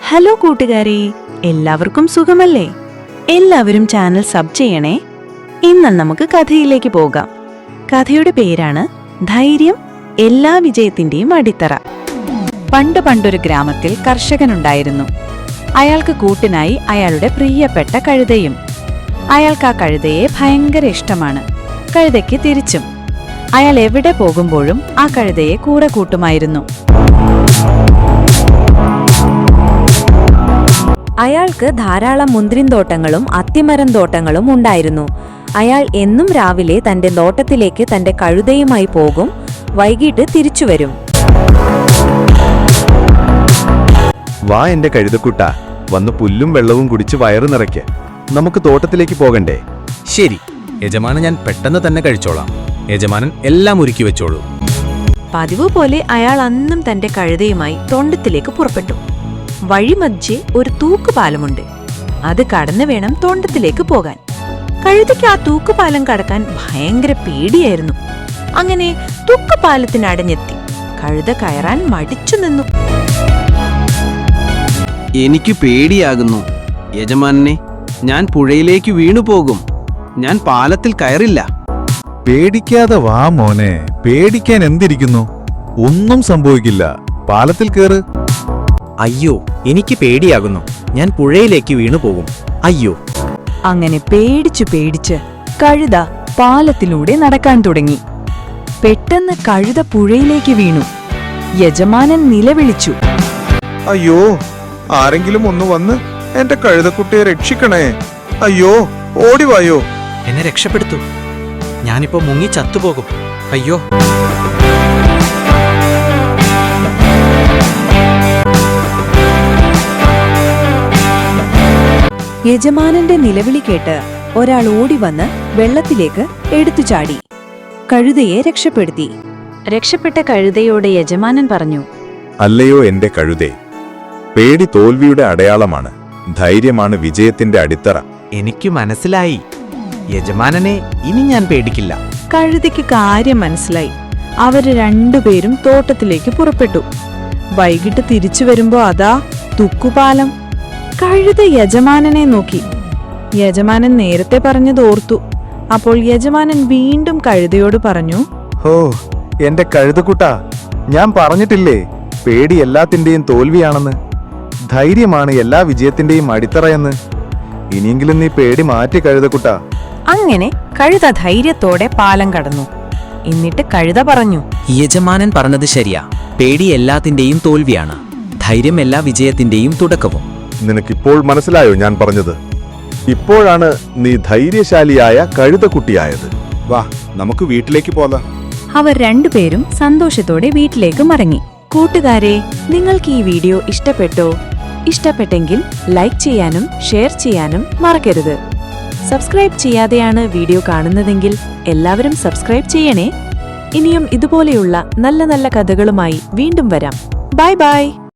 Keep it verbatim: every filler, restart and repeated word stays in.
Hello കൂട്ടുകാരെ, എല്ലാവർക്കും സുഖമല്ലേ? എല്ലാവരും ചാനൽ സബ് ചെയ്യണേ. ഇന്ന് നമുക്ക് കഥയിലേക്ക് പോകാം. കഥയുടെ പേരാണ് ധൈര്യം എല്ലാ വിജയത്തിന്റെയും അടിത്തറ. പണ്ട് പണ്ടൊരു ഗ്രാമത്തിൽ കർഷകനുണ്ടായിരുന്നു. അയാൾക്ക് കൂട്ടിനായി അയാളുടെ പ്രിയപ്പെട്ട കഴുതയും. അയാൾക്ക് ആ കഴുതയെ ഭയങ്കര ഇഷ്ടമാണ്. കഴുതയ്ക്ക് തിരിച്ചും. അയാൾ എവിടെ പോകുമ്പോഴും ആ കഴുതയെ കൂടെ കൂട്ടുമായിരുന്നു. അയാൾക്ക് ധാരാളം മുന്തിരിന്തോട്ടങ്ങളും അത്തിമരം തോട്ടങ്ങളും ഉണ്ടായിരുന്നു. അയാൾ എന്നും രാവിലെ തന്റെ തോട്ടത്തിലേക്ക് തന്റെ കഴുതയുമായി പോകും. വൈകിട്ട് തിരിച്ചുവരും. വാ എന്റെ കഴുതക്കുട്ട, വന്ന് പുല്ലും വെള്ളവും കുടിച്ച് വയറ് നിറയ്ക്ക്. നമുക്ക് തോട്ടത്തിലേക്ക് പോകണ്ടേ? ശരി യജമാനൻ, ഞാൻ പെട്ടെന്ന് തന്നെ കഴിച്ചോളാം. യജമാനൻ എല്ലാം ഒരുക്കി വെച്ചോളൂ. പതിവ് പോലെ അയാൾ അന്നും തന്റെ കഴുതയുമായി തോട്ടത്തിലേക്ക് പുറപ്പെട്ടു. വഴിമധ്യേ ഒരു തൂക്കുപാലമുണ്ട്. അത് കടന്നു വേണം തോട്ടത്തിലേക്ക് പോകാൻ. കഴുതയ്ക്ക് ആ തൂക്കുപാലം കടക്കാൻ ഭയങ്കര പേടിയായിരുന്നു. അങ്ങനെ തൂക്കുപാലത്തിനടഞ്ഞെത്തി. കഴുത കയറാൻ മടിച്ചു നിന്നു. എനിക്ക് പേടിയാകുന്നു യജമാനെ, ഞാൻ പുഴയിലേക്ക് വീണുപോകും. ഞാൻ പാലത്തിൽ കയറില്ല. പേടിക്കാതെ വാ മോനെ, പേടിക്കാൻ എന്തിരിക്കുന്നു? ഒന്നും സംഭവിക്കില്ല. പാലത്തിൽ കേറ്. അയ്യോ, എനിക്ക് പേടിയാകുന്നു. ഞാൻ പുഴയിലേക്ക് വീണുപോകും. അയ്യോ. അങ്ങനെ പേടിച്ചു പേടിച്ച് കഴുത പാലത്തിലൂടെ നടക്കാൻ തുടങ്ങി. പെട്ടെന്ന് കഴുത പുഴയിലേക്ക് വീണു. യജമാനൻ നിലവിളിച്ചു. അയ്യോ, ആരെങ്കിലും ഒന്ന് വന്ന് എന്റെ കഴുതക്കുട്ടിയെ രക്ഷിക്കണേ. അയ്യോ, ഓടിവായോ. എന്നെ രക്ഷപ്പെടുത്തൂ. ഞാനിപ്പോ മുങ്ങി ചത്തുപോകും. അയ്യോ. യജമാനന്റെ നിലവിളി കേട്ട് ഒരാൾ ഓടിവന്ന് വെള്ളത്തിലേക്ക് എടുത്തു ചാടി. കഴുതയെ രക്ഷപ്പെടുത്തി. രക്ഷപ്പെട്ട കഴുതയോട് യജമാനൻ പറഞ്ഞു, അല്ലയോ എന്റെ കഴുതേ, പേടി തോൽവിയുടെ അടയാളമാണ്. ധൈര്യമാണ് വിജയത്തിന്റെ അടിത്തറ. എനിക്ക് മനസ്സിലായി യജമാനനെ, ഇനി ഞാൻ പേടിക്കില്ല. കഴുതയ്ക്ക് കാര്യം മനസ്സിലായി. അവര് രണ്ടുപേരും തോട്ടത്തിലേക്ക് പുറപ്പെട്ടു. വൈകിട്ട് തിരിച്ചു വരുമ്പോ അതാ തുക്കുപാലം. കഴുത യജമാനനെ നോക്കി. യജമാനൻ നേരത്തെ പറഞ്ഞത് ഓർത്തു. അപ്പോൾ യജമാനൻ വീണ്ടും കഴുതയോട് പറഞ്ഞു, ഹോ എന്റെ കഴുതക്കുട്ട, ഞാൻ പറഞ്ഞിട്ടില്ലേ പേടി എല്ലാത്തിന്റെയും തോൽവിയാണെന്ന്. ധൈര്യമാണ് എല്ലാ വിജയത്തിന്റെയും അടിത്തറയെന്ന്. ഇനിയെങ്കിലും നീ പേടി മാറ്റി കഴുതക്കുട്ട. അങ്ങനെ കഴുത ധൈര്യത്തോടെ പാലം കടന്നു. എന്നിട്ട് കഴുത പറഞ്ഞു, യജമാനൻ പറഞ്ഞത് ശരിയാ. പേടി എല്ലാത്തിന്റെയും തോൽവിയാണ്. ധൈര്യം എല്ലാ വിജയത്തിന്റെയും തുടക്കവും. നിനക്കിപ്പോൾ മനസ്സിലായോ ഞാൻ പറഞ്ഞത്? ഇപ്പോഴാണ് നീ ധൈര്യശാലിയായ കഴുതക്കുട്ടിയായത്. വാ, നമുക്ക് വീട്ടിലേക്ക് പോകാം. അവർ രണ്ടുപേരും സന്തോഷത്തോടെ വീട്ടിലേക്ക് മടങ്ങി. കൂട്ടുകാരെ, നിങ്ങൾക്ക് ഈ വീഡിയോ ഇഷ്ടപ്പെട്ടോ? ഇഷ്ടപ്പെട്ടെങ്കിൽ ലൈക്ക് ചെയ്യാനും ഷെയർ ചെയ്യാനും മറക്കരുത്. സബ്സ്ക്രൈബ് ചെയ്യാതെയാണ് വീഡിയോ കാണുന്നതെങ്കിൽ എല്ലാവരും സബ്സ്ക്രൈബ് ചെയ്യണേ. ഇനിയും ഇതുപോലെയുള്ള നല്ല നല്ല കഥകളുമായി വീണ്ടും വരാം. Bye by.